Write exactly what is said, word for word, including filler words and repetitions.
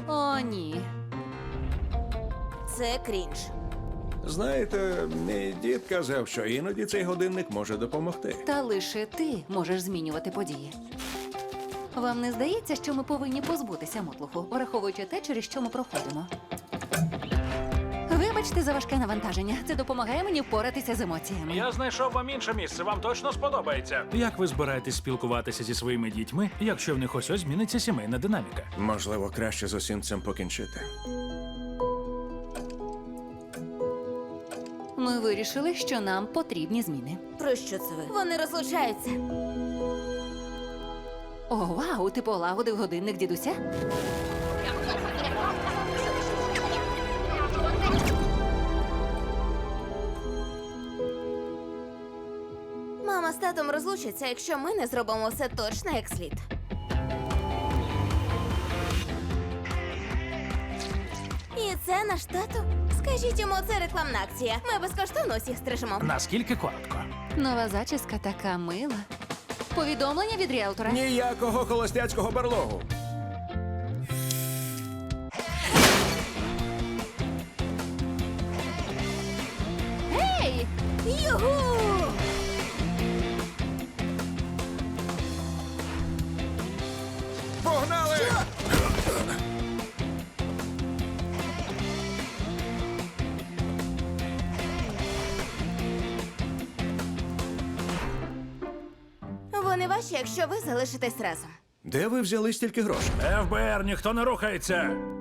О, ні. Це крінж. Знаєте, мій дід казав, що іноді цей годинник може допомогти. Та лише ти можеш змінювати події. Вам не здається, що ми повинні позбутися мотлуху, враховуючи те, через що ми проходимо? Вибачте за важке навантаження. Це допомагає мені впоратися з емоціями. Я знайшов вам інше місце, вам точно сподобається. Як ви збираєтесь спілкуватися зі своїми дітьми, якщо в них ось ось зміниться сімейна динаміка? Можливо, краще з усім цим покінчити. Ми вирішили, що нам потрібні зміни. Про що це ви? Вони розлучаються. О, вау, ти полагодив годинник дідуся? Мама з татом розлучаться, якщо ми не зробимо все точно як слід. І це наш тато? Скажіть йому, це рекламна акція. Ми безкоштовно усіх стрижемо. Наскільки коротко? Нова зачіска така мила. Повідомлення від ріелтора. Ніякого холостяцького барлогу. Ей! Югу! Погнали! Вони ваші, якщо ви залишитесь разом. Де ви взяли стільки грошей? еф бе ер, ніхто не рухається!